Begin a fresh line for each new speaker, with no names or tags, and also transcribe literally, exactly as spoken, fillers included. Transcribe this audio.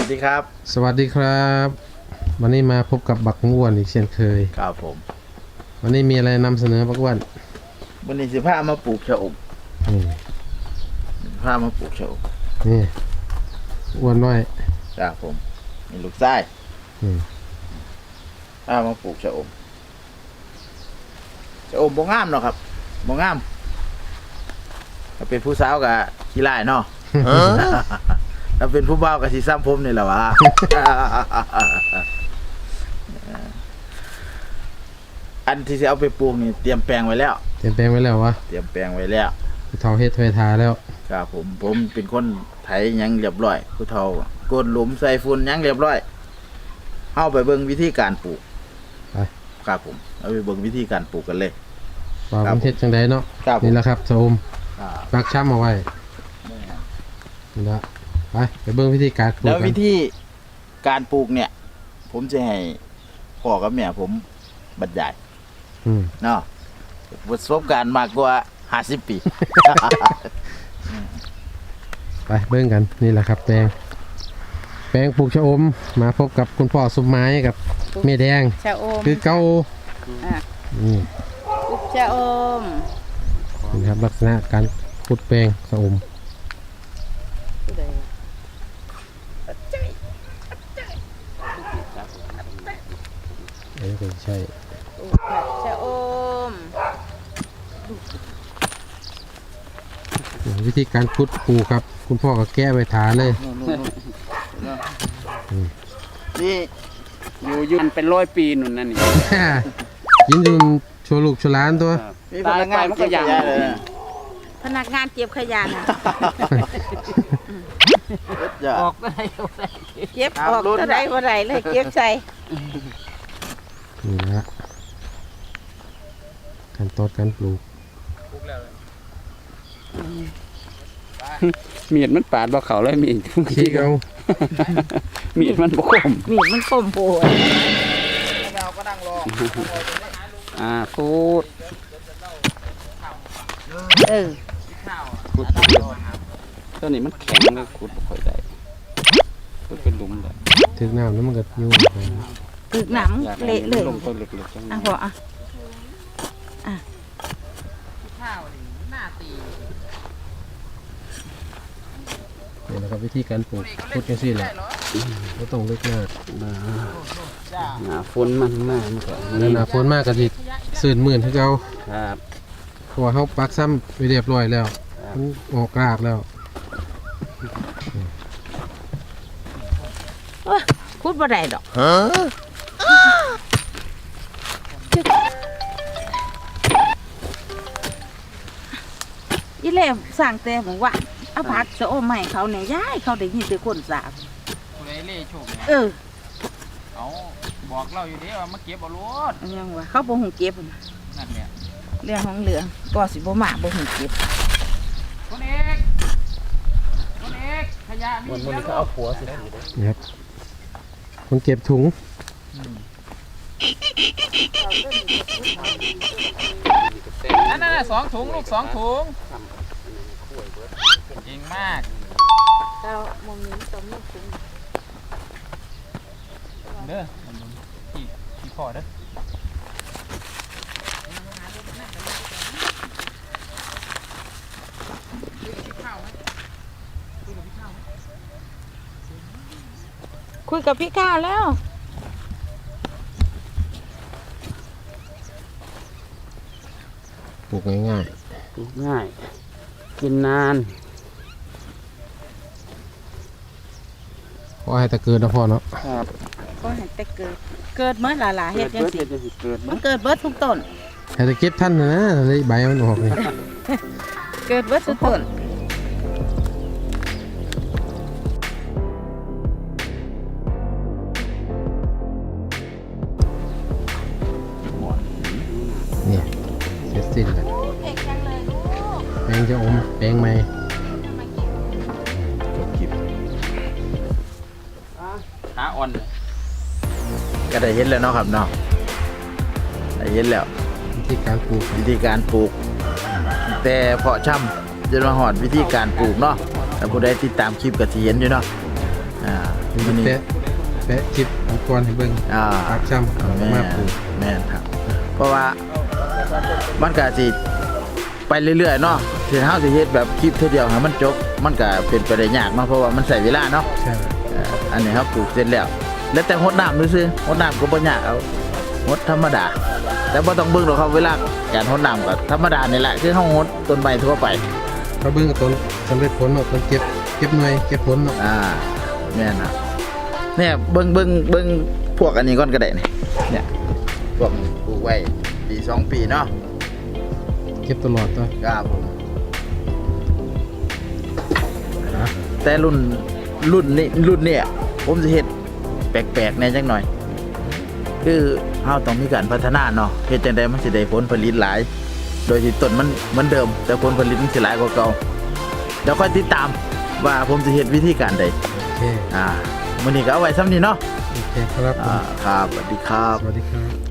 ดีครับ
สวัสดีครับวันนี้มาพบกับบักอ้วนอีกเช่นเคย
ครับผม
วันนี้มีอะไรนำเสนอบักอ้วน
วันนี้สิพามาปลูกชะอม
นี่
พามาปลูกชะอม
นี่อ้วนน้อย
ครับผมมีลูกไส้พามาปลูกชะอมชะอมบ่งามเนาะครับบ่งามถ้าเป็นผู้สาวกับขี้ไล่เนาะถ้าเป็นผู้บ่าวกับสีซ้ำผมนี่แหละวะ อันที่จะเอาไปปลูกนี่เตรียมแปลงไว้แล้ว
เตรียมแปลงไว้แล้ววะ
เตรียมแปลงไว้แล้ว
ผู้เฒ่าเฮ็ดไว้ทาแล้ว
ครับผมผมเป็นคนไถยังเรียบร้อยผู้เฒ่ากดหลุมใส่ฝุ่นยังเรียบร้อยเอาไปเบิ่งวิธีการปลูก
ไป
ครับผมเอาไปเบิ่งวิธีการปลูกกันเลย
ว่ามันเฮ็ดจังไดเนาะนี่แหละครับชะอมปักช้ำเอาไว้นี่ละไปไปเบิ่งวิธีการปลูก
แล้ววิธีการปลูกเนี่ย ผมจะให้พ่อกับแม่ผมบรรยายเนาะประสบการณ์มากกว่าห้าสิบปี
ไปเบิ่งกันนี่แหละครับแปลงแปลงปลูกชะอมมาพบกับคุณพ่อสมหมายกับแม่แดง
ชะอม
คือเก่า
นี่ปลูกชะอม
นี่ครับลักษณะการขุดแปลงชะอมเอ้ยใช่
ชะอม
วิธีการขุดปลูกครับคุณพ่อก็แก้ไปทาเลย
นี่
อยู่ยืนเป็นร้อยปีนุ่นนั่นนี่
ยินดีโชว์ลูกโชว์ล้านตัว
ตายไปมันก็ยังเลย
พนักงานเก็บขยะนะ
ออกได้
เก็บออกเท่าไรเท่าไรเลยเก็บใส่
นี่ละการตอดการปลูก
มีดมันปาดบ่เขาเลยมีด
ขี้เขา
มีดมันบ่คม
มีดมันคมโผล่
เราก็นั่งรอ
อ่าพูด
เออ
ขุดตัวนี้มันแข็งเลยขุดบ่ค่อยได้ขุดเป็นหลุมเลย
ถึงน้ำแล้วมันก็ยุ่ง
ถึงน้ำเละเลย
ลงต้นเล็กๆจัง
อ่ะพออ่ะอ่ะ
นี่แหละครับวิธีการปลูกขุดกันสิแหละไม่ต้องลึกมาก
หนาฝนมันมากมันก็
หนาฝนมากก็จิสื่นหมื่นที่เขา
ครับ
เพราะว่าเขาปักซ้ำไปเรียบร้อยแล้วมันออกรากแล้ว
ขุดบ่ได้ดอกยี่เล่สั่งแต่บอกว่าเอาผักชะอมใหม่เขาเนี่ยย้ายเขาได้ยินแต่คนสาบ
คนไอ้เล่โชคเนี่ย
เออ
เขาบอกเราอยู่ดีว่ามาเก็บเอารถ
ยังว่าเขาบ่หูเก็บ
นั่นเนี่ย
เรื่องของเรื่องก็สิบ่มาบ่หูเก็บ
คนเอกคนเอกขยะมี
วันนี้เขาเอาผัวสิ
ครับคนเก็บถุง
นั่นน่ะสองถุงลูกสองถุงจริงมาก
เรามองนี้ต้องมีถุง
เด้อที่ที่พอเด้อ
คุยกับพี่ข้าวแล้ว
ปลูกง่าย
ๆปลูกง่ายกินนาน
พอให้แต่เกิดนะพ่อเนาะ
ครับ
ก็ให้แต่เกิดเกิดเมื่อหลาๆเฮ็ดจังซี่มันเกิดเบิดทุกต้น
ให้แต่เก็บท่านนะเลยใบมันออกนี่
เกิดเบิดทุกต้น
เนี่ยเสร็จสิ้นแล้วแปลงจะอมแปลงใหม่
จบคลิป
ขาอ่อน
ก็ได้เห็นแล้วเนาะครับเนาะได้เห็นแล้ว
วิธีการปลูก
วิธีการปลูกแต่เพาะช่ำจนมาหอดวิธีการปลูกเนาะแต่ผู้ใดติดตามคลิปก็จะเห็นอยู่เนาะอ่า
มันแปะแปะคลิปอุปกรณ์ให้เบิ่ง
อ่า
ปากช้ำเอา
แม่
มาน ปลูก
แม่นครับ เพราะว่ามันก็สิไปเรื่อยๆเนาะถึงเฮาสิเฮ็ดแบบคลิปเท่อเดียวให้มันจบมันก็เป็นไปได้ยากเนาะเพราะว่ามันใช้เวลาเนาะ
ใช่
เอ่ออันนี้ครับปลูกเสร็จแล้ว แล้วแต่หดน้ำซื่อๆหดน้ำก็บ่ยากเอาหดธรรมดา แต่บ่ต้องเบิ่งหรอกครับเวลาการหดน้ำก็ธรรมดานี่แหละคือเฮาหดต้นไม้ทั่วไป
เขาเบิ่งกับต้นสำเร็จผลเนาะต้นเก็บเก็บหน่วยเก็บผลเนาะ
อ่าแม่นครับเนี่ยเบิ่งเบิ่งเบิ่งพวกอันนี้ก่อนก็ได้นี่เนี่ยพวกนี้ปลูกไว้ปีสองปีเนาะ
เก็บตลอดตัว
ครับผมนะแต่รุ่นรุ่นนี้รุ่นเนี่ยผมจะเฮ็ดแปลกๆแหน่จังหน่อย คือเฮาต้องมีการพัฒนาเนาะเฮ็ดจังไดมันสิได้ผลผลิตหลาย โดยที่ต้นมันเหมือนเดิม แต่ผลผลิตมันสิหลายกว่าเก่าเดี๋ยวค่อยติดตามว่าผมจะเฮ็ดวิธีการใด
โอเค
อ่ามื้อนี้ก็เอาไว้ซ้ำนี้เนาะ
โอเคครับผม
อ่าครับสวัสดีครับ
สวัสดีครับ